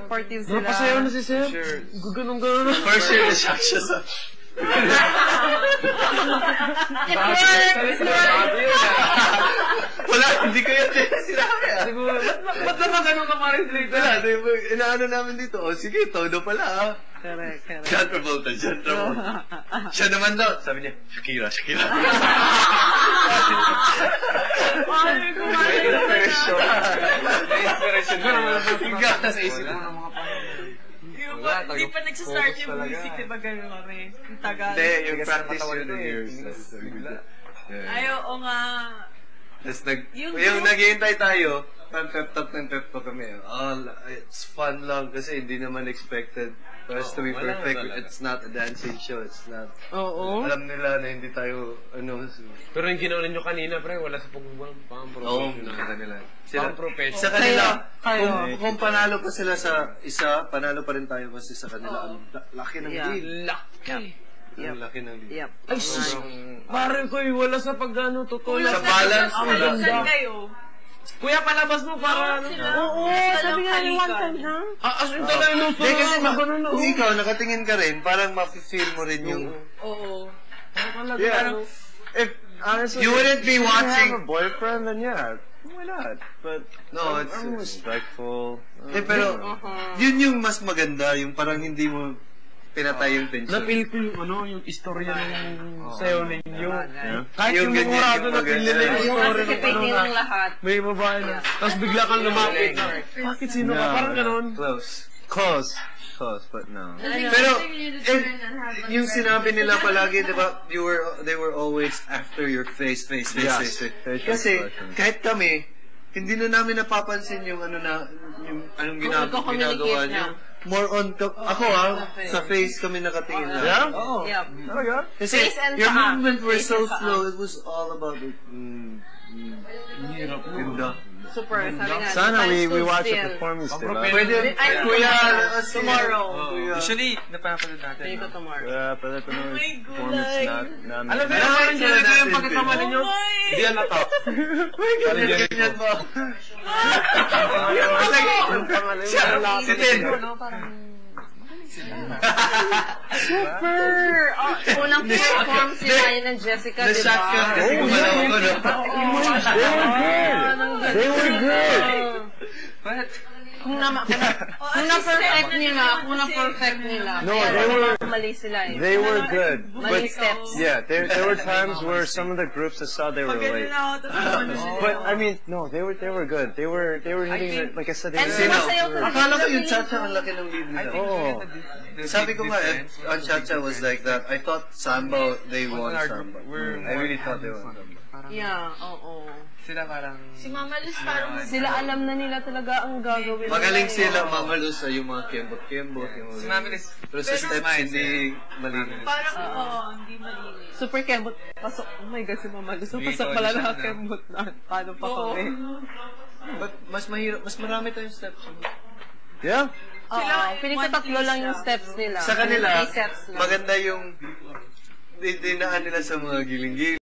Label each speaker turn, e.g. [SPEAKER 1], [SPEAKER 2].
[SPEAKER 1] supportive sila.
[SPEAKER 2] Napasayaw na si Sir. Ganun-ganun.
[SPEAKER 3] First year na siya sa... Wala, hindi ko yan sinabi
[SPEAKER 2] Siguro, ba't naman ganun ka pa rin sila?
[SPEAKER 3] Wala, inaano namin dito. O sige, todo pala
[SPEAKER 1] Correct.
[SPEAKER 3] John Travolta. Siya naman daw. Sabi niya, Shakira.
[SPEAKER 1] Ay, kumain
[SPEAKER 3] Inspiration ko naman.
[SPEAKER 2] Sa isip mo ng mga pangalan.
[SPEAKER 4] Hindi pa nagsistart yung music, diba gano'n kami? Yung tagal.
[SPEAKER 3] Hindi, yung practice yun ng years.
[SPEAKER 4] Ay, oo nga.
[SPEAKER 3] Tapos yung naghihintay tayo, pep talk kami. It's fun lang kasi hindi naman expected for us to be perfect. It's not a dancing show. It's not.
[SPEAKER 1] Oo.
[SPEAKER 3] Alam nila na hindi tayo,
[SPEAKER 2] Pero yung ginawa ninyo kanina, pre, wala sa pang-professional.
[SPEAKER 3] nakita nila.
[SPEAKER 2] Pang-professional.
[SPEAKER 3] Sa kanila,
[SPEAKER 1] Kayo.
[SPEAKER 3] kung panalo pa sila sa isa, panalo pa rin tayo kasi sa kanila. Ang laki ng deal.
[SPEAKER 2] Laki.
[SPEAKER 3] Ang laki ng deal.
[SPEAKER 1] Yep.
[SPEAKER 2] Ay, parang ko wala sa pag-ano, totoo lang.
[SPEAKER 3] Sa balance,
[SPEAKER 2] Ang
[SPEAKER 3] wala.
[SPEAKER 2] ganda.
[SPEAKER 4] Saan kayo?
[SPEAKER 2] Kuya, palabas mo para ano.
[SPEAKER 1] Oo, sabi nga ni one time, ha?
[SPEAKER 2] As in talaga nung
[SPEAKER 3] Hindi kasi
[SPEAKER 2] ganun,
[SPEAKER 3] kung ikaw nakatingin ka rin, parang mafe-feel mo rin yung...
[SPEAKER 4] Oo.
[SPEAKER 3] Yeah.
[SPEAKER 5] If honestly,
[SPEAKER 3] You wouldn't be
[SPEAKER 5] if you
[SPEAKER 3] watching...
[SPEAKER 5] have a boyfriend, then yeah, why not? But
[SPEAKER 3] No,
[SPEAKER 5] I'm respectful.
[SPEAKER 3] pero yun yung mas maganda, yung parang hindi mo pinatay yung tension.
[SPEAKER 2] Na-feel ko yung istorya ng sayo ninyo. Kahit
[SPEAKER 3] Yung
[SPEAKER 2] yung
[SPEAKER 3] ganyan,
[SPEAKER 2] murado
[SPEAKER 3] yung
[SPEAKER 2] na feel nila yung
[SPEAKER 1] Yung
[SPEAKER 2] story ng
[SPEAKER 1] anticipate nilang lahat.
[SPEAKER 2] may babae na. Tapos bigla kang lumapit na, bakit sino ka? Parang ganun.
[SPEAKER 5] Close, but no.
[SPEAKER 3] Pero, yung sinabi nila palagi, di ba, they were always after your face.
[SPEAKER 5] Facial
[SPEAKER 3] Kasi,
[SPEAKER 5] expression.
[SPEAKER 3] kahit kami, hindi na namin napapansin yung anong ginagawa
[SPEAKER 1] nagko-communicate
[SPEAKER 3] nyo.
[SPEAKER 1] na.
[SPEAKER 3] More on, ako sa face kami nakatingin lang.
[SPEAKER 5] Yeah?
[SPEAKER 3] Oo.
[SPEAKER 1] Yep.
[SPEAKER 3] Kasi,
[SPEAKER 1] Face and
[SPEAKER 3] your
[SPEAKER 1] paa.
[SPEAKER 3] movement were
[SPEAKER 1] Face
[SPEAKER 3] so
[SPEAKER 1] and paa.
[SPEAKER 3] slow, it was all about it. Ganda.
[SPEAKER 1] Super, sabi nga.
[SPEAKER 5] Sana we
[SPEAKER 1] stood
[SPEAKER 5] watch a
[SPEAKER 1] still.
[SPEAKER 5] performance, diba?
[SPEAKER 3] Pwede,
[SPEAKER 1] Ay,
[SPEAKER 3] kuya,
[SPEAKER 1] tomorrow.
[SPEAKER 6] Usually, napapanood natin.
[SPEAKER 1] Hindi ko tomorrow.
[SPEAKER 5] Yeah, pala ko naman performance namin.
[SPEAKER 2] Alam mo yung parang ganyan ko yung pagkatama ninyo? Hindi yan nata.
[SPEAKER 3] ganyan mo.
[SPEAKER 1] Si Ted. Super! Unang perform sila yun ng Jessica, di
[SPEAKER 3] Na-shock ka
[SPEAKER 1] ba?
[SPEAKER 3] kasi gumalaw ko, no?
[SPEAKER 5] They were good.
[SPEAKER 1] Kung na-perfect nila.
[SPEAKER 5] No,
[SPEAKER 1] Kaya mali sila eh.
[SPEAKER 5] They were good.
[SPEAKER 1] Mali steps.
[SPEAKER 5] Yeah, there were times where some of the groups I saw they were late. But I mean, no, they were good. They were hitting it, like I said. They
[SPEAKER 1] And
[SPEAKER 5] were
[SPEAKER 1] sumasayaw talaga.
[SPEAKER 3] Akala ko yung cha-cha ang laki ng lead nila.
[SPEAKER 5] Oh,
[SPEAKER 3] Sabi ko nga, ang cha-cha was like that. I thought Samba, they won Samba. I really thought they won Samba.
[SPEAKER 1] Yeah, oo.
[SPEAKER 6] Sila parang...
[SPEAKER 4] Si Mama Luz parang...
[SPEAKER 1] Sila alam na nila talaga ang gagawin.
[SPEAKER 3] Magaling
[SPEAKER 1] nila,
[SPEAKER 3] sila,
[SPEAKER 1] eh.
[SPEAKER 3] Mama Luz, yung mga kembot-kembot.
[SPEAKER 6] Si Mami Liz.
[SPEAKER 3] Pero sa steps, hindi malinis.
[SPEAKER 4] Parang, hindi malinis.
[SPEAKER 1] Super kembot. Pasok. Oh my God, si Mama Luz. Pasok pala na kembot na. Paano pa kami?
[SPEAKER 3] But mas mahirap, mas marami tayong steps.
[SPEAKER 5] yeah.
[SPEAKER 1] Oo. Piling ko tatlo lang yung steps nila.
[SPEAKER 3] Sa kanila,
[SPEAKER 1] 3 sets lang.
[SPEAKER 3] maganda yung dinaan nila sa mga giling-giling.